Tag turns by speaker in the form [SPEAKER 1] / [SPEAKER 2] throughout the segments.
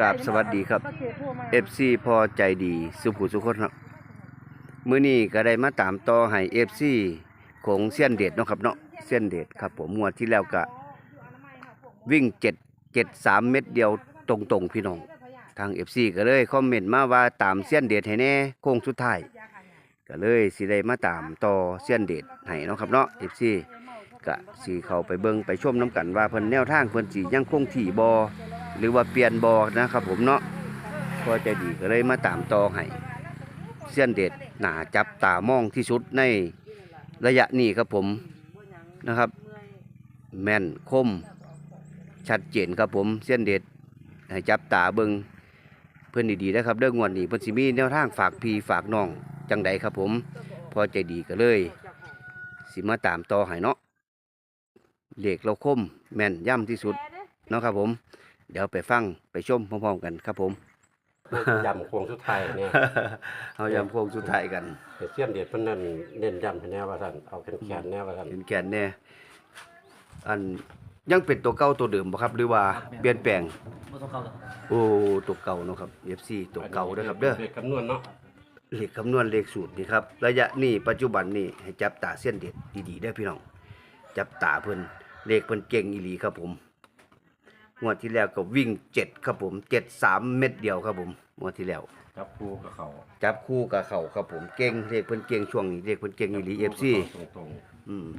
[SPEAKER 1] กราบสวัสดีครับ FC พอใจดีสุขุสุขคนครับมื้อนี้ก็ได้มาตามต่อให้ FC ของเซียนเดชเนาะครับเนาะเซียนเดชครับผมงวดที่แล้วก็วิ่ง773เม็ดเดียวตรงๆพี่น้องทาง FC ก็เลยคอมเมนต์มาว่าตามเซียนเดชให้แน่โค้งสุดท้ายก็เลยสิได้มาตามต่อเซียนเดชให้เนาะครับเนาะ FC ก็สิเข้าไปเบิ่งไปชมน้ำกันว่าเพิ่นแนวทางเพิ่นสิยังคงที่บ่หรือว่าเปลี่ยนบ่นะครับผมเนาะพอใจดีก็เลยมาตามต่อให้เซียนเดชหนาจับตามองที่สุดในระยะนี้ครับผมนะครับแม่นคมชัดเจนครับผมเซียนเดชให้จับตาเบิ่งเพิ่นดีๆนะครับเรื่องงวดนี้เพิ่นสิมีแนวทางฝากพี่ฝากน้องจังใดครับผมพอใจดีก็เลยสิมาตามต่อให้เนาะเลขเราคมแม่นย่ำที่สุดเนาะครับผมเดี๋ยวไปฟังไปชมพร้อมๆกันครับผม
[SPEAKER 2] ยำโค้งสุดท้ายเนี่ย
[SPEAKER 1] เอายำโค้งสุดท้ายกัน
[SPEAKER 2] เสี้ยนเด็ดเพิ่นนั่นเน้นยำให้แน่ว่าท่านเอาแขนแน่ว่าท่าน
[SPEAKER 1] เห็นแกนแน่อันยังเป็นตัวเก่าตัวเดิมบ่ครับหรือว่าเปลี่ยนแปลง
[SPEAKER 3] บ่ต้องเข้าหรอก
[SPEAKER 1] โอ้ตัวเก่าเนาะครับ FC ตัวเก่าเด้อครับเด้อ
[SPEAKER 2] เลขคำนวณเนาะ
[SPEAKER 1] เลขคำนวณเลขสูตรนี่ครับระยะนี้ปัจจุบันนี้ให้จับตาเส้นเด็ดดีๆเด้อพี่น้องจับตาเพิ่นเลขเพิ่นเก่งอีหลีครับผมงวดที่แล้วก็วิ่ง7ครับผม73เม็ดเดียวครับผมงวดที่แล้ว
[SPEAKER 2] จับคู่กับเขา
[SPEAKER 1] จับคู่กับเขาครับผมเก่งเลขเพิ่นเก่งช่วงนี้เลขเพิ่นเก่งอีหลี FC
[SPEAKER 2] ตรง
[SPEAKER 1] อืม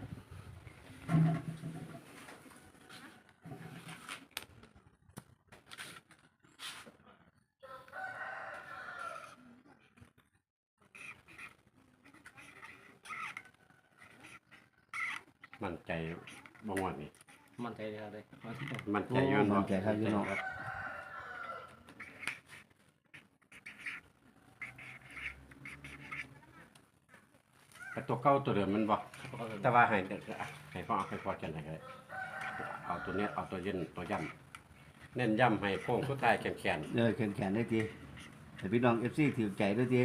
[SPEAKER 2] ๆมั่นใจบ่งวดนี่
[SPEAKER 3] มั่นใจเลยครับเลย
[SPEAKER 2] มั่นใจอยู่
[SPEAKER 1] มั่
[SPEAKER 2] เนาะ
[SPEAKER 1] นใจครับพี่น้อง
[SPEAKER 2] แต่ตัวเก่าตัวเดิมมันบ่แต่ว่าให้ให้พ่อเอาไปพอกันได้ก็ได้เอาตัวเนี้ยเอาตัวเย็นตัวย่ำเน้นย่ำให้โค้งสุดท้ายแขน
[SPEAKER 1] แขนได้ทีแต่พี่น้อง FC ถือใจด้วยที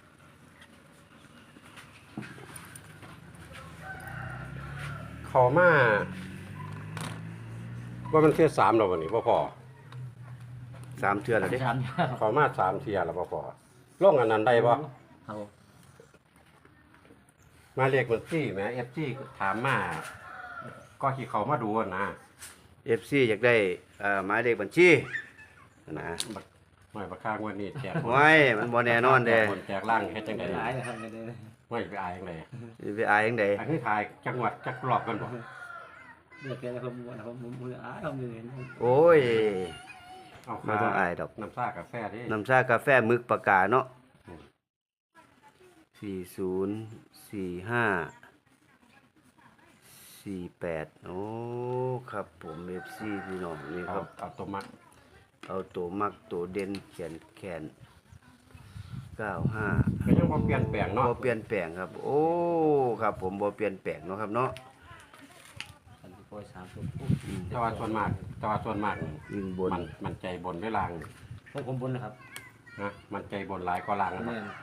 [SPEAKER 2] เขามาว่ามันเที่ย3แล้ววันนี้บ่พอ
[SPEAKER 1] 3เทื่อแล้วเด้
[SPEAKER 3] ถาม
[SPEAKER 2] เขามา3เที่ยแล้วบ่พอลงอันนั้นได้บ่
[SPEAKER 3] ครับผม
[SPEAKER 2] มาเรียกบัญชีแหม FG ถามมาก็ที่เขามาดูอะนะ
[SPEAKER 1] FC อยากได้หมายเลขบัญชีนะ
[SPEAKER 2] บักไม่บักข้างวันนี้แจก
[SPEAKER 1] ไว้มันบ่แน่นอนเด้
[SPEAKER 2] แจกล่างเฮ็ดจังได๋
[SPEAKER 3] หลายนะครับไม่ได้
[SPEAKER 2] ไม่ไปอายจังได๋
[SPEAKER 1] สิไปอายจังได๋
[SPEAKER 2] อันนี้ถ่ายจังหวัดจักรอบกันบ่
[SPEAKER 3] เลือกแค่ผมว่าผมมืออ้ายผมเห็น
[SPEAKER 1] โอ้ย
[SPEAKER 2] เอา
[SPEAKER 1] บ่ต้องอายดอก
[SPEAKER 2] น้ำซ่ากาแฟดิ
[SPEAKER 1] น้ำชากาแฟมึกปากกาเนาะ404548โอ้ครับผม FC พี่น้องนี่ค
[SPEAKER 2] เอา
[SPEAKER 1] รับ
[SPEAKER 2] เอาตัวมัก
[SPEAKER 1] เอาตัวมักตัวเด่นแขน95
[SPEAKER 2] ก็ยังบ่เปลี่ยนแปลงเนาะ
[SPEAKER 1] บ่เปลี่ยนแปลงครับ โอ้ครับผมบ่เปลี่ยนแปลงเนาะครับเนาะ
[SPEAKER 3] สันติโกย3ตัว
[SPEAKER 2] แต่ว่าส่วนมากนี่
[SPEAKER 1] วิ่งบน
[SPEAKER 2] มันใจบนด้วยล่าง
[SPEAKER 3] ผมบนนะครับ
[SPEAKER 2] นะมันใจบนหลายกว่าล่างนะ
[SPEAKER 3] แม่น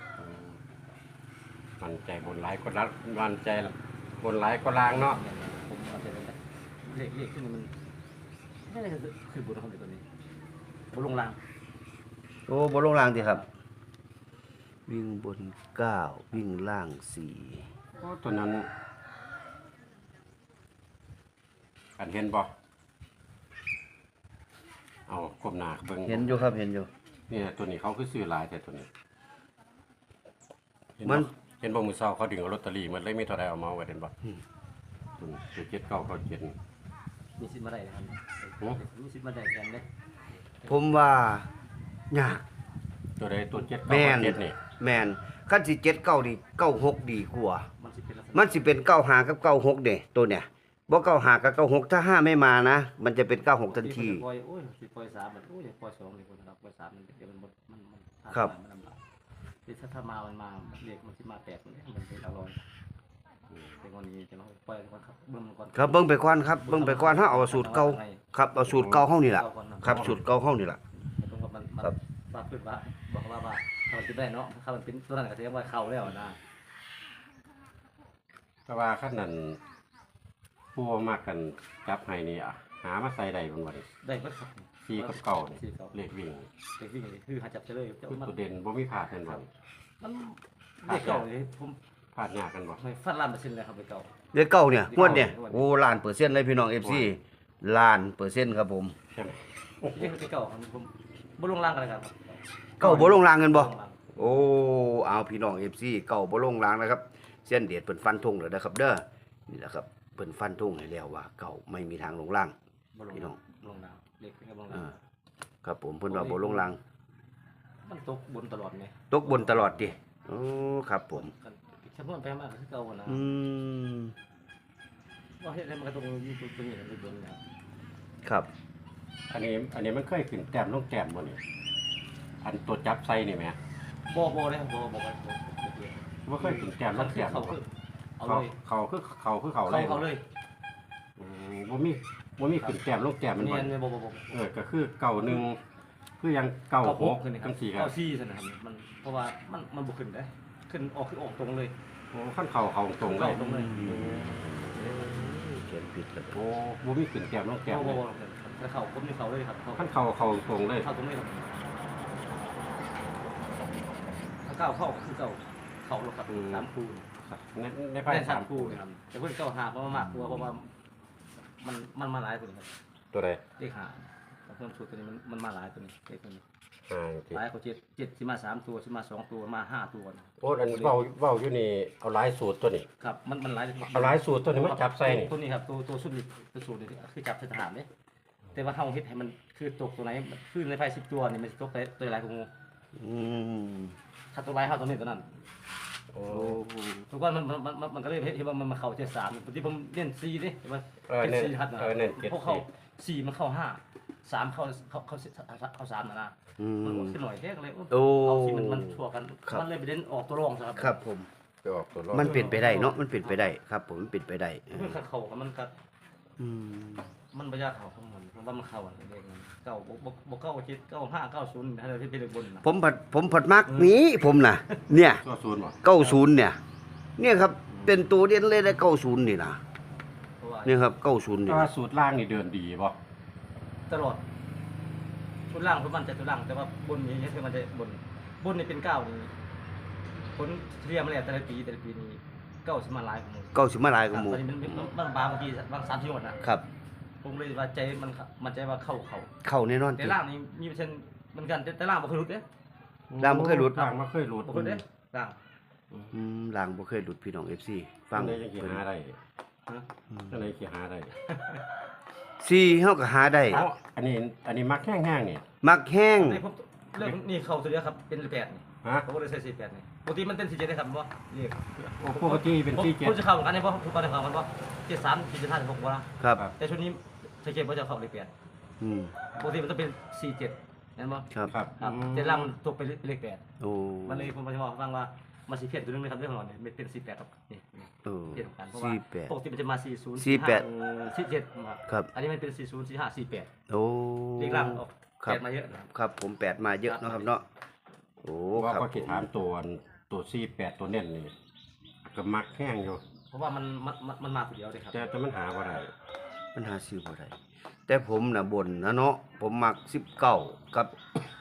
[SPEAKER 2] มันใจบนหลายกว่าล่างมันใจบนหลายกว่าล่างเนาะ
[SPEAKER 3] ผมเอาใจเลขขึ้นมันไม่ได้คือบนของตัวนี้บนลงล่าง
[SPEAKER 1] โอ้บ่ลงล่างติครับ วิ่งบน9วิ่งล่าง4
[SPEAKER 2] โอ้ตัวนั้นอันเห็นบ่เอาก้มหน้าเบิ่ง
[SPEAKER 1] เห็นอยู่ครับเห็นอยู่
[SPEAKER 2] นี่ตัวนี้เขาคือซื้อหลายแต่ตัวนี้เห็
[SPEAKER 1] มัน
[SPEAKER 2] เห็นบ่มือเช้าเขาดึงเอาลอตเตอรี่มันเลยมีเท่าใดเอามาไว้เห็นบ่ตัวนี้ตัว7997
[SPEAKER 3] มีสิทธิ์มาได้นะครับ
[SPEAKER 2] โอ้
[SPEAKER 3] มีสิทธิ์มาได้กันเลย
[SPEAKER 1] ผมว่ายาก
[SPEAKER 2] ตัวใดตัว
[SPEAKER 1] แม่น
[SPEAKER 2] 7997นี่
[SPEAKER 1] แม่นคันสิ79นี่96ดีกว่า
[SPEAKER 3] มันสิเป็นลักษณะ
[SPEAKER 1] มันสิเป็น95กับ96เด้ตัวเนี่ยบ่95กับ96ถ้า5ไม่มานะ มันจะเป็น96ทันที
[SPEAKER 3] ปล่อยโอ้ยสิปล่อย3มันโอ้ยปล่อย2นี่คนนะครับปล่อย3มันเดี๋ยวมันมัน
[SPEAKER 1] ครับ
[SPEAKER 3] มันลำบากถ้ามามันมาเรียกมันสิมา8มันเป็นอร่อยเป็นคนนี้จะมาปล่อยก่อนครับเบิ่งก่อน
[SPEAKER 1] ครับเบิ่งไปก่อนครับเบิ่งไปก่อนเฮาเอาสูตรเก่าครับเอาสูตรเก่าเฮานี่ล่ะครับสูตรเก่าเฮานี่ล่ะ
[SPEAKER 3] ตรงกับมันว่าพูดว่าบอกว่าถ้ามันเป็นได้เนาะถ้ามันเป็นตัวนั้นก็แสดงว่าเข้าแล้วนะ
[SPEAKER 2] แต่ว่าคันนั้นผู้มากกันจับให้นี่อะหามาใส่ได้บ่บ่นี่
[SPEAKER 3] ได้ก็ครับ
[SPEAKER 2] ซีกับเก่านี่
[SPEAKER 3] สี่เก่า
[SPEAKER 2] เลขวิ่ง
[SPEAKER 3] เด็กวิ่งเลยคือหาจับเฉลย
[SPEAKER 2] คือตัวเด่นบ่มีพลาดกันบ่
[SPEAKER 3] มันเด็กเก่าเลยผม
[SPEAKER 2] พลาดยากกันบ่
[SPEAKER 3] ไม่ฟันล้านเปอร์เซ็นต์เลยครับเด็กเก่า
[SPEAKER 1] เลขเก้าเนี่ยงวดเนี่ยโอ้ล้านเปอร์เซ็นต์เลยพี่น้อง FC ล้านเปอร์เซ็นต์ครับผม
[SPEAKER 2] ใช่ไหม
[SPEAKER 3] เด็กเก่าครับผมบ่ลงล่างกันเลยครับ
[SPEAKER 1] เก้าบ่ลงรางกันบ่
[SPEAKER 3] ลงล่าง
[SPEAKER 1] โอ้เอาพี่น้อง FC เก้าบ่ลงรางนะครับเส้นเดียดเพิ่นฟันธงแล้วนะครับเด้อนี่แหละครับเพิ่นฟันธงให้แล้วว่าเก้าไม่มีทางลงราง
[SPEAKER 3] บ่ลง
[SPEAKER 1] พี่น้อง
[SPEAKER 3] ลงล่างเด็กเป็นกับลง
[SPEAKER 1] อ่า
[SPEAKER 3] ล่าง
[SPEAKER 1] ครับผมเพิ่นว่าบ่ลงราง
[SPEAKER 3] มันตกบนตลอดไง
[SPEAKER 1] ตกบนตลอดดิโอ้ครับผม
[SPEAKER 3] ฉันพูดไปมากคือเก่านะ
[SPEAKER 1] อืม
[SPEAKER 3] ว่าเฮ็ดอะไรมันก็ตรงอยู่ตรงนี้เลยบนเนี่ย
[SPEAKER 1] ครับ
[SPEAKER 2] อันนี้มันเคยขึ้นแต้มลงแต้มบ่นี่อันตัวจับไส้นี่แหม
[SPEAKER 3] บ่เลยครับบ่เลย
[SPEAKER 2] บ่เคยขึ้นแต้มล
[SPEAKER 3] มัน
[SPEAKER 2] ง
[SPEAKER 3] คือ
[SPEAKER 2] แต้ม
[SPEAKER 3] เขา
[SPEAKER 2] บ่
[SPEAKER 3] คือเอา
[SPEAKER 2] เขา
[SPEAKER 3] เลย
[SPEAKER 2] เขาเลย
[SPEAKER 3] เขาเลย
[SPEAKER 2] บ่มีขึ้นแต้มลงแต้มมัน
[SPEAKER 3] เนี่
[SPEAKER 2] บ่
[SPEAKER 3] ยบ่
[SPEAKER 2] ก็คือเก่าหนึ่งคือยังเก่าหก
[SPEAKER 3] ขึ้นนี่ครั
[SPEAKER 2] จั
[SPEAKER 3] บ
[SPEAKER 2] งซี่ครับ
[SPEAKER 3] เก้าซี่ซั่นนะครับมันเพราะว่ามันบ่ขึ้นได้ขึ้นออกคือออกตรงเลย
[SPEAKER 2] โอ้ขั้นเขาตรงเลย
[SPEAKER 3] ตรงเลย
[SPEAKER 1] เขียนผิดแล้ว
[SPEAKER 2] โอ้บ่มีขึ้นแต้มลงแต้ม
[SPEAKER 3] บ่
[SPEAKER 2] เลย
[SPEAKER 3] แต่เขาผมนี่เขาเลยครับเขา
[SPEAKER 2] ขั้นเขาตรงเลย
[SPEAKER 3] เข้าตรงเลยครับถ้าเก้าเข้าคือเก้าเขาหรอกครับสามคู่
[SPEAKER 2] ในไพ่
[SPEAKER 3] ได้
[SPEAKER 2] สา
[SPEAKER 3] สาม มคู่นะครับแต่เพิ่นเก้าหาเพราะว่ามากกลัวเพราะว่ามันมาหลายตัวนี้ครับ
[SPEAKER 2] ตัวใด
[SPEAKER 3] เลขหาเพิ่มสูตรตัวนี้มันมาหลายตัวนี้เลขตัวนี้
[SPEAKER 2] ที่
[SPEAKER 3] หลายเขาเจ็ดสิมาสามตัวสิมาสองตัวมาห้าตัวนะ
[SPEAKER 2] โอ้อันเว้าอยู่นี่เอาหลายสูตรตัวนี้
[SPEAKER 3] ครับมันหลาย
[SPEAKER 2] เอาหลายสูตรตัวนี้มันจับใส่นี่
[SPEAKER 3] ตัวนี้ครับตัวสุดนี่ตัวสูตรนี่คือจับใส่ทหารเนี่ยแต่ว่าเฮาเฮ็ดให้มันคือตกตัวไหนคือในไพ่10ตัวนี่มันสิตกตัวหลายของงู
[SPEAKER 1] อืม
[SPEAKER 3] ถ้าตัวหลายเฮาตัวนี้ตัวนั้น
[SPEAKER 2] โอ้
[SPEAKER 3] ทุกคนมันก็เลยเห็นว่ามันมาเข้า73ปกติผมเล่น4ดิเห็นบ่
[SPEAKER 2] เน้น
[SPEAKER 3] 4ฮัดนะ
[SPEAKER 2] เน้นเจ็ด
[SPEAKER 3] พวกเข้า4มันเข้า5 3เข้า3นะ
[SPEAKER 1] อื
[SPEAKER 3] มัน
[SPEAKER 1] ม
[SPEAKER 3] ขึ้นหน่อยแค่ก็เลย
[SPEAKER 1] โอ้
[SPEAKER 3] เอาที่มันชั่วกัน
[SPEAKER 1] ครับ
[SPEAKER 3] มันเลยไปเล่นออกตัวรองซะครับ
[SPEAKER 1] ครับผม
[SPEAKER 2] ไปออกตัวรอบ
[SPEAKER 1] มันเป็นไปได้เนาะมันเป็นไปได้ครับผมมันเป็นไปได้
[SPEAKER 3] เพื่อเข้ากับมันก็
[SPEAKER 1] อืม
[SPEAKER 3] มันบ่ยากเข้าของมันเพราะว่ามันเข้าอะไรเด็กมันเก้าบ่เก้า7 9 5 9 0ให้เราที่เป็นเลขบนนะ
[SPEAKER 1] ผมผัดมักนี้ผมน่ะ เนี่ย
[SPEAKER 2] ตัวศูนย์บ่
[SPEAKER 1] 90เนี่ยครับเป็นตัวเด่นเลยได้90นี่นะ
[SPEAKER 3] เพราะว่า
[SPEAKER 1] เนี่ยครับ90นี่
[SPEAKER 2] แต่ว่าสูตรล่างนี่เดินดีบ่
[SPEAKER 3] ตลอดชุดล่างผมมันใจตัวล่างแต่ว่าบนนี้คือมันจะบนนี่เป็น9นี่ผลเรียมแล้วแต่ละปีนี้9สิมาหลายของมึง
[SPEAKER 1] 90มาหลายกว่าหมู่
[SPEAKER 3] ตอนนี้มันบางทีบาง3ที่หมดนะครับ ผมเลยว่าใจมันใจว่าเข้า
[SPEAKER 1] เข้าแน่นอน
[SPEAKER 3] แต่
[SPEAKER 1] ติ
[SPEAKER 3] ล่างนี่มีเปอร์เซ็นต์เหมือนกันแต่ล่างบ่เคยหลุดเด้
[SPEAKER 1] ล่างบ่เคยหลุด
[SPEAKER 2] ล่างบ่เคยหลุด
[SPEAKER 3] บ่เคยเด้ล่าง
[SPEAKER 1] ลางบ่เคยหลุดพี่น้อง FC ฟัง
[SPEAKER 2] ได้ยังสิหาได้
[SPEAKER 3] ฮะ
[SPEAKER 2] จังได๋สิหาได้
[SPEAKER 1] 4เฮาก็หาได้
[SPEAKER 2] เอ้าอันนี้มักแห้งๆนี่
[SPEAKER 1] มักแห้ง
[SPEAKER 3] นี่ผมเรื่องนี่เข้าตัวเดียวครับเป็น8นี่
[SPEAKER 2] ฮะ
[SPEAKER 3] ผมก็เลยใส่48นี่ปกติมันเป็น47ได้ครับบ่เรียก
[SPEAKER 2] โอ้ปกติเป็น
[SPEAKER 3] ผมจะเข้าเหมือนกันเนี่ยเพราะทุกคนเข้ามันว่า73 45 46บ่ล่ะ
[SPEAKER 1] ครับ
[SPEAKER 3] แต่ชุดนี้สังเกตว่าจะเข้าเลข8
[SPEAKER 1] อืม
[SPEAKER 3] ปกติมันจะเป็น47เห็นบ่
[SPEAKER 1] ครับ
[SPEAKER 2] ครับ
[SPEAKER 3] ครับแต่ล่างมันตกไปเลข
[SPEAKER 1] โอ้
[SPEAKER 3] 8มันเลยผมจะบอกให้ฟังว่ามันสิเพี้ยนตัวนึงเลยครับเรื่องของเราเนี่ยมันเป็น48ครับนี่
[SPEAKER 1] เออ
[SPEAKER 3] เพี้ยนกันเพราะว่าปก
[SPEAKER 1] 48
[SPEAKER 3] ติมันจะมา40
[SPEAKER 1] 48
[SPEAKER 3] 47
[SPEAKER 1] ครับ
[SPEAKER 3] อันนี้มันเป็น40 45 48
[SPEAKER 1] โอ้
[SPEAKER 3] เลขล่างออก
[SPEAKER 1] ครับ
[SPEAKER 3] 8มาเยอะนะครับ
[SPEAKER 1] ครับผม8มาเยอะเนาะครับเนาะโอ้
[SPEAKER 2] ว่า
[SPEAKER 1] ครับ
[SPEAKER 2] ก็คิดถามตัว48ตัวเน้นนี่ก็มักแห้งอยู่
[SPEAKER 3] เพราะว่ามันมาตัวเดียวเลยครับ
[SPEAKER 2] แต่มันหาบ่ได้
[SPEAKER 1] มันหาซื้อบ่ได้แต่ผมน่ะบ่นนะเนาะผมมัก19กับ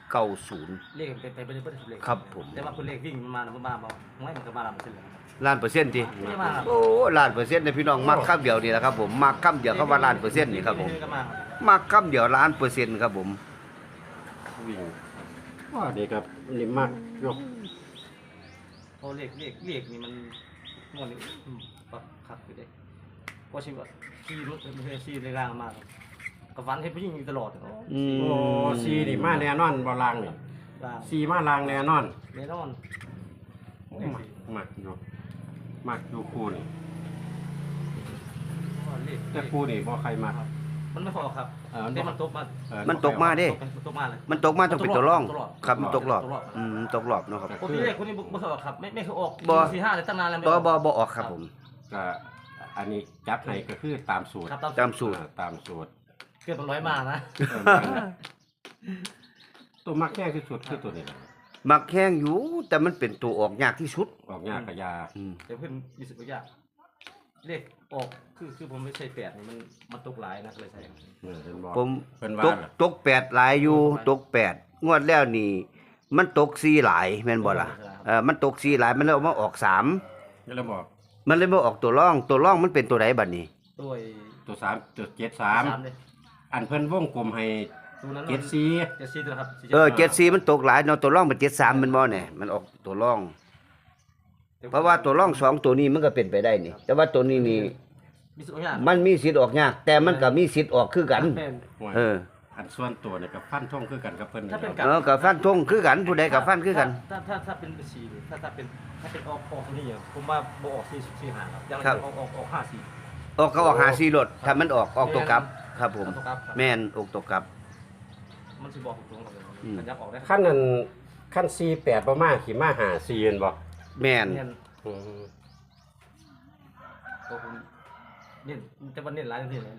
[SPEAKER 1] 90
[SPEAKER 3] เลขเป็นไปได้เลข
[SPEAKER 1] ครับผม
[SPEAKER 3] แต่ว่าคนเลขวิ่งมันมามันมาบอกไม่มันก็มาลำเส้นเลย
[SPEAKER 1] ล้านเปอร์เซ็นต์ติ
[SPEAKER 3] ไม่มาครับ
[SPEAKER 1] โอ้ล้านเปอร์เซ็นต์นะพี่น้องมักคำเดียวนี่แหละครับผมมักคำเดียวคำว่าล้านเปอร์เซ็นต์นี่ครับผม
[SPEAKER 3] ก็มา
[SPEAKER 1] มักคำเดียวล้านเปอร์เซ็นต์ครับผม
[SPEAKER 2] วิ่งว่านี่ครับนี่มักยก
[SPEAKER 3] เพราะเลขนี่มันงวดนี้ปักขัดอยู่เด้เพราะชีวิตขี่รถไม่ใช่ขี่ในรางมากับฟันให้ผู้หญิงอยู่ตลอด
[SPEAKER 1] อืม
[SPEAKER 2] โอ้ซีนี่มาแน่นอนบ่ล่างนี่
[SPEAKER 3] ราง
[SPEAKER 2] ซีมาล่างแน่นอน
[SPEAKER 3] แน่นอน
[SPEAKER 2] มักอยู่คู่นี่
[SPEAKER 3] เลข
[SPEAKER 2] แต่คู่นี่บ่ใครมัก
[SPEAKER 3] มันไม่พอครับแต่มันตกมา
[SPEAKER 1] มันตกมาเด้
[SPEAKER 3] มันตกมาเลย
[SPEAKER 1] มันตกมาต้องเป็นตัวร่อง
[SPEAKER 3] ตกรอบ
[SPEAKER 1] ครับมันตกรอบ
[SPEAKER 3] ตกรอบ
[SPEAKER 1] ตกรอบเนาะครับ
[SPEAKER 3] ปกติเลขคนนี้บ่เคยออกครับไม่เคยออก
[SPEAKER 1] บ่
[SPEAKER 3] 4-5เลยตั้งนานแล้ว
[SPEAKER 1] บ่ออกครับผม
[SPEAKER 2] ก็อันนี้จับให้ก็คือตามสูตร
[SPEAKER 3] ครับ
[SPEAKER 1] ตามสูตร
[SPEAKER 2] ตามสูตร
[SPEAKER 3] เกือบ100มานะ
[SPEAKER 2] ตัวมักแห้งที่สุดคือตัวนี้แหละ
[SPEAKER 1] มักแห้งอยู่แต่มันเป็นตัวออกยากที่สุด
[SPEAKER 2] ออกยากกะยา
[SPEAKER 1] อืม
[SPEAKER 3] เดี๋ยวเพิ่นมีสิบกว่ายากเลขออกคือผมไม่ใช่แปดนี่มันตกหลายนะเลยใช่
[SPEAKER 2] เห็นบ่
[SPEAKER 1] ผม
[SPEAKER 2] เพิ่น
[SPEAKER 1] ต
[SPEAKER 2] ว่าก ล่ะ
[SPEAKER 1] ตก8หลายอยู่ตก8งวดแล้วนี่ มันตก4หลายแม่นบ่ล่ะมันตก4หลายมันเลยเอามาออก3
[SPEAKER 2] ก็เลยบอก
[SPEAKER 1] มันเลยบ่ออกตัวร่องมันเป็นตัวใดบัดนี้
[SPEAKER 3] ด้วย
[SPEAKER 2] ตัว3ตัว
[SPEAKER 3] เลย
[SPEAKER 2] 73อันเพิ่นวงกลมให้
[SPEAKER 3] ตัวนั้น
[SPEAKER 2] 74
[SPEAKER 3] 74ตัวนะครับ
[SPEAKER 1] 74มันตกหลายเนาะตัวร่องเป็น73แม่นบ่เนี่ยมันออกตัวร่อง เพราะว่าตัวร่อง2ตัวนี้มันก็เป็นไปได้นี่ แต่ว่าตัวนี้นี่
[SPEAKER 3] มีสองอย่าง
[SPEAKER 1] มันมีสิทธิ์ออกยาก แต่มันก็มีสิทธิ์ออกคือกัน
[SPEAKER 3] เป็น
[SPEAKER 1] เออ
[SPEAKER 2] อันส่วนตัวเนี่ยกับฟันท่งคือกันกับเพิ่น
[SPEAKER 3] ถ้าเป็น
[SPEAKER 1] กับฟันธงคือกันผู้ใดกับฟันคือกัน
[SPEAKER 3] ถ้าเป็นสี่ถ้าเป็นออกตัวนี้อ่ะผมว่าบ่ออก4 5ครับยัง
[SPEAKER 1] ครับ
[SPEAKER 3] ออก5 4
[SPEAKER 1] ออกก็ออก54รถถ้ามันออกตัวกลับ ครับผม
[SPEAKER 3] ตัวกลับ
[SPEAKER 1] แม่นออกตัวกลับ
[SPEAKER 3] มันสิบอกตรงๆครับ
[SPEAKER 1] อืม
[SPEAKER 3] มันยับออกได้
[SPEAKER 2] ขั้นนั้นขั้น48บ่มาขี่มาหา4เห็นบ่
[SPEAKER 1] แม่น
[SPEAKER 3] เน้น
[SPEAKER 2] อืม
[SPEAKER 3] ตัวผมเน้นแต่ว่าเน้นหลายเน้นหลาย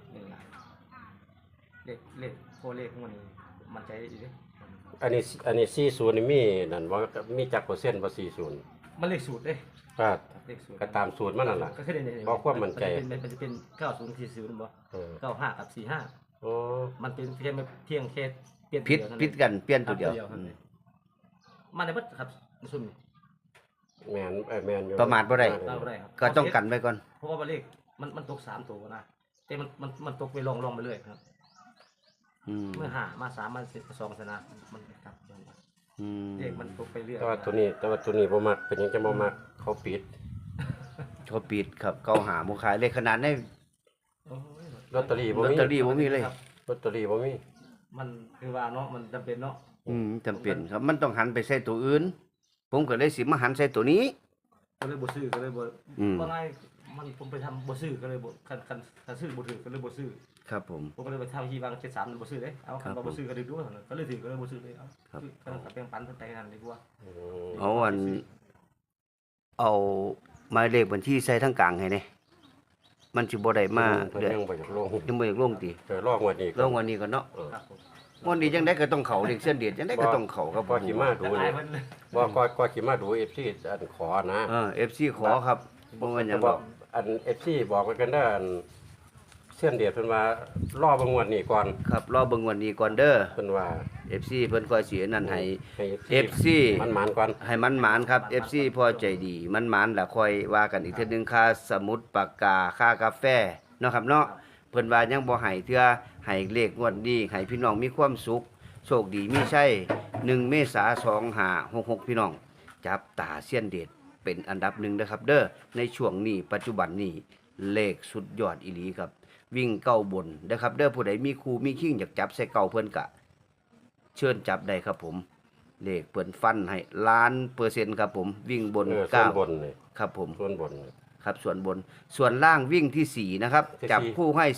[SPEAKER 3] เลขโคเลขของมันนี่มันใจดีเด้
[SPEAKER 2] อันนี้40นี่มีนั่นบ่มีจักเปอร์เซ็นต์บ่40
[SPEAKER 3] มันเลขสูตรเด้
[SPEAKER 2] ก็
[SPEAKER 3] เลขสูตร
[SPEAKER 2] ก็ตามสูตรมันนั่นล่ะ
[SPEAKER 3] ก็คือเนี่ย
[SPEAKER 2] บอกความมั่นใจ
[SPEAKER 3] มันจะเป็น9040บ่
[SPEAKER 2] เออ
[SPEAKER 3] 95กับ45
[SPEAKER 2] โอ้
[SPEAKER 3] มันเป็นเพียงแค่เปลี่ยน
[SPEAKER 1] ผิด
[SPEAKER 3] เยวเท่านั้น
[SPEAKER 1] ผิดกันเปลี่ยนตัวเดียว
[SPEAKER 3] ครับ มันได้เบิดครับมันซุ่มนี่
[SPEAKER 2] แม่นแม่นอยู่
[SPEAKER 1] ประมาทบ่ได้
[SPEAKER 3] ตามบ่ได้ครับ
[SPEAKER 1] ก็ต้องกันไว้ก่อน
[SPEAKER 3] เพราะว่าเลขมันตก3ตัวนะแต่มันตกไปลองไปเรื่อยครับ
[SPEAKER 1] อืม
[SPEAKER 3] เมื่อหามา3มา2ชนะมันกลับย้อนมา
[SPEAKER 1] อืม
[SPEAKER 3] เลขมันตกไปเรื่อย
[SPEAKER 2] แต่ว่าตัวนี้บ่มักเป็นหยังจะบ่มักเขาปิด
[SPEAKER 1] เขาปิดครับเขาหาหมูขายเลยขนาดใน
[SPEAKER 3] โอ้ย
[SPEAKER 2] ลอตเตอรี่บ่
[SPEAKER 1] ลอต
[SPEAKER 2] มี
[SPEAKER 1] เตอรี่บ่มีเลย
[SPEAKER 3] ครับ
[SPEAKER 2] ลอตเตอรี่บ่มี
[SPEAKER 3] มันคือว่าเนาะมันจำเป็นเนาะ
[SPEAKER 1] จำเป็นครับมันต้องหันไปใส่ตัวอื่น ผมก็เลยสิมาหันใส่ตัวนี้
[SPEAKER 3] ก็เลยบ่ซื้อก็เลยบ่
[SPEAKER 1] อืม
[SPEAKER 3] ว่าไงมันผมไปทำบ่ซื้อก็เลยบ่คันซื้อบ่ถือก็เลยบ่ซื้อ
[SPEAKER 1] ครับผม
[SPEAKER 3] ผมก็เลยไปทำที่บาง73มันบ่ซื้อเด้เอาคัน
[SPEAKER 1] ครับ
[SPEAKER 3] บ่ซื้อก็เลยดูว่าก็เลยถือก็เลยบ่ซื้อเลยเอา
[SPEAKER 1] ครับ
[SPEAKER 3] ก็ต้องกับแบ่งปันเพิ่นไปนั่นดีกว่า
[SPEAKER 2] อืม
[SPEAKER 1] เอาเอาหมายเลขบัญชีใส่ทั้งกลางให้แน่มันสิบ่ได้มา
[SPEAKER 2] เพิ่น
[SPEAKER 1] เด้อ
[SPEAKER 2] ยังบ่อยากลง
[SPEAKER 1] ยังบ่อยากลงติ
[SPEAKER 2] ลองวันนี้
[SPEAKER 1] ลงวันนี้ก่อนเนาะ
[SPEAKER 3] ครับผม
[SPEAKER 1] วันนี้จังได๋ก็ต้องเข้าเลขเส้นเดียดจังได๋ก็ต้องเข้าครับผ
[SPEAKER 2] ก็
[SPEAKER 1] ม
[SPEAKER 2] ขี่มาดู
[SPEAKER 3] จะอาย
[SPEAKER 2] นี่
[SPEAKER 3] เพิ่นเลย
[SPEAKER 2] บ่ก็ขี่มาดู FC อันขอนะ
[SPEAKER 1] FC ขอครับบ่ว่าหยัง
[SPEAKER 2] บ
[SPEAKER 1] ด
[SPEAKER 2] อ
[SPEAKER 1] อก ก
[SPEAKER 2] อัน FC บอกไว้กันเด้ออันเส้นเดียดเพิ่นว่ารอเบิ่งงวดนี้ก่อน
[SPEAKER 1] ครับรอเบิ่งวันนี้ก่อนเด้อ
[SPEAKER 2] เพิ่นว่า
[SPEAKER 1] FC เพิ่นค่อยสิอันนั้นให้
[SPEAKER 2] ให้
[SPEAKER 1] FC
[SPEAKER 2] มันหมานก่อน
[SPEAKER 1] ให้มันหมานครับ FC พอใจดีมันหมานแล้วค่อยว่ากันอีกเทื่อนึงค่าสมุดปากกาค่ากาแฟเนาะครับเนาะเพิ่นว่ายังบ่ให้เทื่อให้เลขงวดนี้ให้พี่น้องมีความสุขโชคดีมีชัย1 เมษายน 2566พี่น้องจับตาเสี้ยนเด็ดเป็นอันดับหนึ่งนะครับเด้อในช่วงนี้ปัจจุบันนี้เลขสุดยอดอีหลีครับ วิ่งเก้าบนนะครับเด้อผู้ใดมีครูมีคิงอยากจับใส่เก่าเพิ่นกะ เชิญจับได้ครับผมเลขเปิ่นฟันให้1,000,000%ครับผมวิ่งบน
[SPEAKER 2] ส่วน
[SPEAKER 1] เก้า
[SPEAKER 2] บนนี่
[SPEAKER 1] ครับผม
[SPEAKER 2] ส่วนบนนี่
[SPEAKER 1] ครับส่วนบนส่วนล่างวิ่งที่ 4 นะครับ
[SPEAKER 2] ที่
[SPEAKER 1] จับ
[SPEAKER 2] สี่
[SPEAKER 1] คู่ให้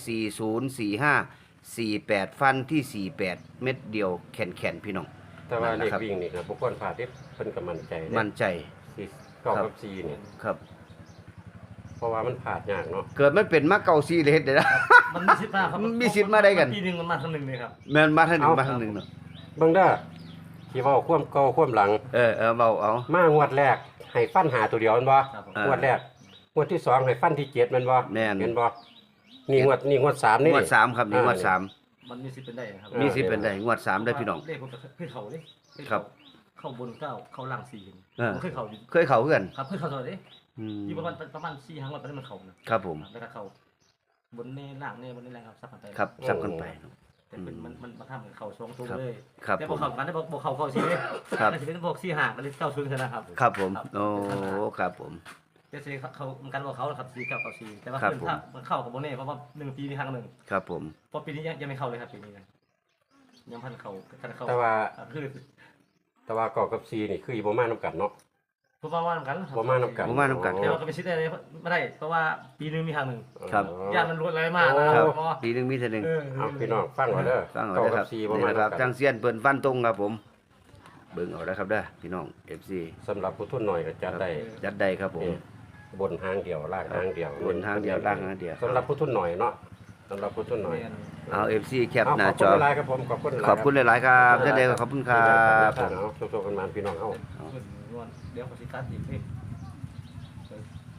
[SPEAKER 1] 40 45 48 ฟันที่ 48 เม็ดเดียวแข็งๆพี่น้อง
[SPEAKER 2] แต่ว่า
[SPEAKER 1] นั่น
[SPEAKER 2] เล
[SPEAKER 1] นะ
[SPEAKER 2] ข
[SPEAKER 1] ครับ
[SPEAKER 2] วิ่งนี่ครับบ่ควรพลาดเด้เพิ่นก็มั่นใจเด้
[SPEAKER 1] มั่นใจ
[SPEAKER 2] สี่เก้ากับ4นี่
[SPEAKER 1] ครับ
[SPEAKER 2] เพราะว่ามันพลาดยากเนาะ
[SPEAKER 1] เกิดมันเป็นมาเก่าซีเลยเฮ็ดได้นะ
[SPEAKER 3] มันมีสิทธิ์มาครับ
[SPEAKER 1] มันมีสิทธิ์มาได้กัน
[SPEAKER 3] ปีหนึงมันมาครั้งหนึงเลยครับ
[SPEAKER 1] แม่นมาทางหนึงมาทางหนึงเนาะ
[SPEAKER 2] เบิ่งเด้อที่เว้าความเก่าความหลัง
[SPEAKER 1] เบาเอา
[SPEAKER 2] มางวดแรกให้ฟันหาตัวเดียวแม่นบ่
[SPEAKER 3] ครับผม
[SPEAKER 1] เออ
[SPEAKER 2] งวดแรกงวดที่2ให้ฟันที่7แม่นบ่
[SPEAKER 1] แม่น
[SPEAKER 2] เห็นบ่นี่งวด3นี่
[SPEAKER 1] งวด3ครับนี่งวดสาม
[SPEAKER 3] มันมีสิทธิ์เป็นได้นะครับ
[SPEAKER 1] มีสิทธิ์เป็นได้งวด3ได้อพี่น้อง
[SPEAKER 3] เลขผมเคยเข้าเด้เคย
[SPEAKER 1] ครับ
[SPEAKER 3] เข้าบนเก้าเข้าล่าง4
[SPEAKER 1] เออ
[SPEAKER 3] ผมเคยเข้าอยู่
[SPEAKER 1] เคยเข้าเพื่อน
[SPEAKER 3] ครับเคยเข้าตลอดเด้
[SPEAKER 1] อืม
[SPEAKER 3] อยู่ประมาณ4ครั้งแล้วตอนนี้มันเข้านะครับ
[SPEAKER 1] ผม
[SPEAKER 3] แล้วก็เข้าบนนี่ล่างนี่บนนี่แหละครับซับกันไป
[SPEAKER 1] ครับสับกันไปเนาะ
[SPEAKER 3] แต่เป็นมันมาทำเหมือนเข้า2ตัว
[SPEAKER 1] ครับ
[SPEAKER 3] เลย
[SPEAKER 1] ครับ
[SPEAKER 3] แต่
[SPEAKER 1] ผ
[SPEAKER 3] บ่
[SPEAKER 1] ม
[SPEAKER 3] เข้ากันได้บ่เข้า4เด้
[SPEAKER 1] ครับ
[SPEAKER 3] มันสิเป็นพวก4 5ก็เลย90ชนะครับ
[SPEAKER 1] ครับผมโอ้ครับผม
[SPEAKER 3] แต่สิเขามันกันบ่เขาครับ4 9 9 4แต่ว่า
[SPEAKER 1] ครับ
[SPEAKER 3] เพิ่น
[SPEAKER 1] ผม
[SPEAKER 3] ถ้ามันเข้ากับบ่แน่เพราะว่า1ปีมีครั้งหนึง
[SPEAKER 1] ครับผม
[SPEAKER 3] เพราะปีนี้ยังไม่เข้าเลยครับปีนี้นะยังพันเข้า
[SPEAKER 2] แต่ว่า
[SPEAKER 3] คือ
[SPEAKER 2] แต่ว่าเก้ากับ4นี่คืออีบ่มานํกันเนาะ
[SPEAKER 3] เพราะว่ากัน
[SPEAKER 2] บ่มานํกัน
[SPEAKER 1] บ่มานํกัน
[SPEAKER 3] แต่ว่าก็ไปซิดได้ไม่ได้เพราะว่าปีนึงมีครั้งหนึ่ง
[SPEAKER 1] ครับ
[SPEAKER 3] ญาติมันรวดอะไรมากนะ
[SPEAKER 1] ค
[SPEAKER 3] ค
[SPEAKER 1] รั
[SPEAKER 3] รั
[SPEAKER 1] บบ ปีหนึงมีเท่านึง
[SPEAKER 2] เอาพี่น้องฟังเอาเด้อ
[SPEAKER 1] ฟังเอา
[SPEAKER 2] เก้า
[SPEAKER 1] เด้อค
[SPEAKER 2] กั
[SPEAKER 1] รั
[SPEAKER 2] บบ 4บ่
[SPEAKER 1] นี่
[SPEAKER 2] มา
[SPEAKER 1] นะค
[SPEAKER 2] นํ
[SPEAKER 1] รับ
[SPEAKER 2] กั
[SPEAKER 1] จังเซียนเปิ้นฟันตรงครับผมเบิ่งเอาแล้วครับเด้อพี่น้อง FC
[SPEAKER 2] สำหรับผู้ทุนหน่อยก็จัดได้
[SPEAKER 1] จัดได้ครับผม
[SPEAKER 2] นี่บนหางเดียวล่างหางเดียว
[SPEAKER 1] บนทางเดียวล่างทางเดียว
[SPEAKER 2] สำหรับผู้ทุนหน่อยเนาะสำหรับผู้ทุนหน่อย
[SPEAKER 1] เอา FC แคป
[SPEAKER 2] เอา
[SPEAKER 1] หน้า
[SPEAKER 2] ขอบ
[SPEAKER 1] จ
[SPEAKER 2] คุณ
[SPEAKER 1] อ
[SPEAKER 2] หลายๆครับผมขอบคุณ
[SPEAKER 1] ขอบคุณหลายๆครับท่านใดก็ขอบคุณครับ
[SPEAKER 2] เอาโชคๆกันมาพี่น้องเฮา
[SPEAKER 3] เดี๋ยวขอสิกัดอีกพี่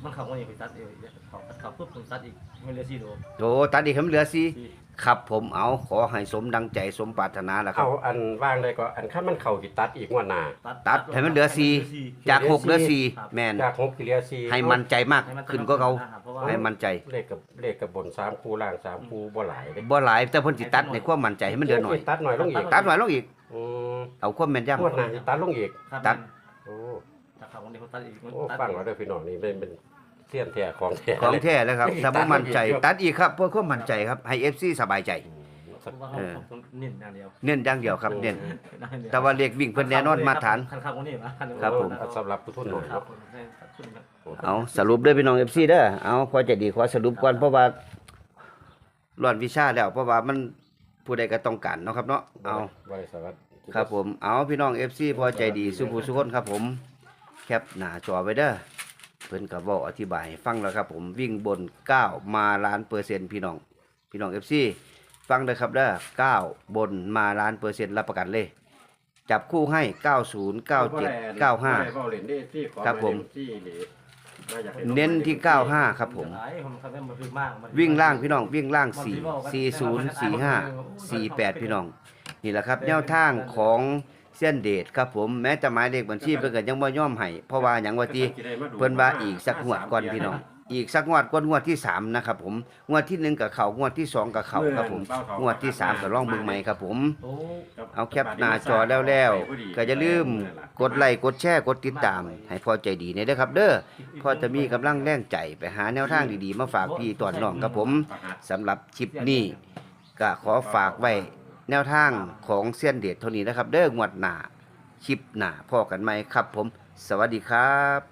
[SPEAKER 3] มันเข้าวันนี้ไปตัดเองเขาปุ๊บผมตัดอีกมันเหลือ4 โล
[SPEAKER 1] โอ้ตัดอีกให้มันเหลือสี่
[SPEAKER 3] สี่
[SPEAKER 1] ครับผมเอาขอให้สมดังใจสมปรารถนาแล้วครับ
[SPEAKER 2] เอาอันว่างได้ก็อันข้ามันเข่าสิตัดอีกงวดหน้า
[SPEAKER 1] ตัดให้มันเหลือสี่จาก6เหลือสี่แม่น
[SPEAKER 2] จาก6สิเหลือ4
[SPEAKER 1] ให้มั่นใจมากขึ้นก็เขา
[SPEAKER 3] เพราะว่า
[SPEAKER 1] ให้มั่นใจ
[SPEAKER 2] เลขกับบน3คู่ล่าง3คู่บ่หลายเด้
[SPEAKER 1] บ่หลายแต่เพิ่นสิตัดในความมั่นใจให้มันเหลือหน่อย
[SPEAKER 2] ตัดหน่อยลงอีก
[SPEAKER 1] ตัดหน่อยลงอีก
[SPEAKER 2] อืม
[SPEAKER 1] เอาความแม่นยำ
[SPEAKER 2] งวดหน้าสิตัดลงอีก
[SPEAKER 3] ครับ
[SPEAKER 1] ตัด
[SPEAKER 2] โอ้
[SPEAKER 3] ถ้าเขาวันนี้เขาตัดอีกมัน
[SPEAKER 2] โอ้
[SPEAKER 3] ตัด
[SPEAKER 2] ฟังเอาเด้อพี่น้องนี่เป็นเสี้ยนแท้ของแท้
[SPEAKER 1] ของแท้เลยครับถ้าบ่มั่นใจ
[SPEAKER 2] ตั
[SPEAKER 1] ตั
[SPEAKER 2] ด
[SPEAKER 1] ด
[SPEAKER 2] อี
[SPEAKER 1] อี
[SPEAKER 2] ก
[SPEAKER 1] กครับเพื่อความมั่นใจครับให้ FC สบายใจ
[SPEAKER 3] เพราะว่าเขาต้องเน้นอย่างเดียว
[SPEAKER 1] เน้นอย่างเดียวครับเน้นแต่ว่าเลขวิ่งเพิ่นแน่นอนมาตรฐาน
[SPEAKER 3] คันข้าววันนี้มา
[SPEAKER 1] ครับผม
[SPEAKER 2] สำหรับผู้ทุนหน่อย
[SPEAKER 3] ครับผมให้ขึ้นครับ
[SPEAKER 1] เอาสรุปเด้อพี่น้อง FC เด้อเอาพอใจดีขอสรุปก่อนเพราะว่าร้อนวิชาแล้วเพราะว่ามันผู้ใดก็ต้องการเนาะครับเนาะเอา
[SPEAKER 2] บริษัท
[SPEAKER 1] ครับผมเอาพี่น้อง FC พอใจดีสุภูสุคนครับผมแคปหน้าจอไว้เด้อเพิ่นก็เว้าอธิบายให้ฟังแล้วครับผมวิ่งบน 9 มาล้านเปอร์เซ็นต์พี่น้อง FC ฟังเด้อครับเด้อ9บนมาล้านเปอร์เซ็นต์รับประกันเลย จับคู่ให้ 90 97 95 ครับผม เน้นที่ 95 ครับผม วิ่งล่างพี่น้องวิ่งล่าง 4 40 45 48 พี่น้อง นี่แหละครับแนวทางของเส้นเดชครับผมแม้แต่หมายเลขบัญชีเพิ่นก็ยังบ่ยอมให้เพราะว่าหยังว่าติเพิ่นว่าอีกสักงวดก่อนพี่น้องอีกสักงวดก่อนงวดที่3นะครับผมงวดที่1ก็เข้างวดที่2ก็เข้าครับผมงวดที่3ก็ลองเบิ่งใหม่ครับผม เอาแคปหน้าจอแล้วก็อย่าลืมกดไลค์กดแชร์กดติดตาม ให้พอใจดีเนี่ยเด้อครับเด้อพอจะมีกำลังแรงใจไปหาแนวทางดีๆมาฝากพี่ตอนน้องครับผมสำหรับคลิปนี้ก็ขอฝากไว้แนวทางของเสี้ยนเดชเท่านี้นะครับ เด้องวดหน้าคลิปหน้าพอกันไหมครับผม สวัสดีครับ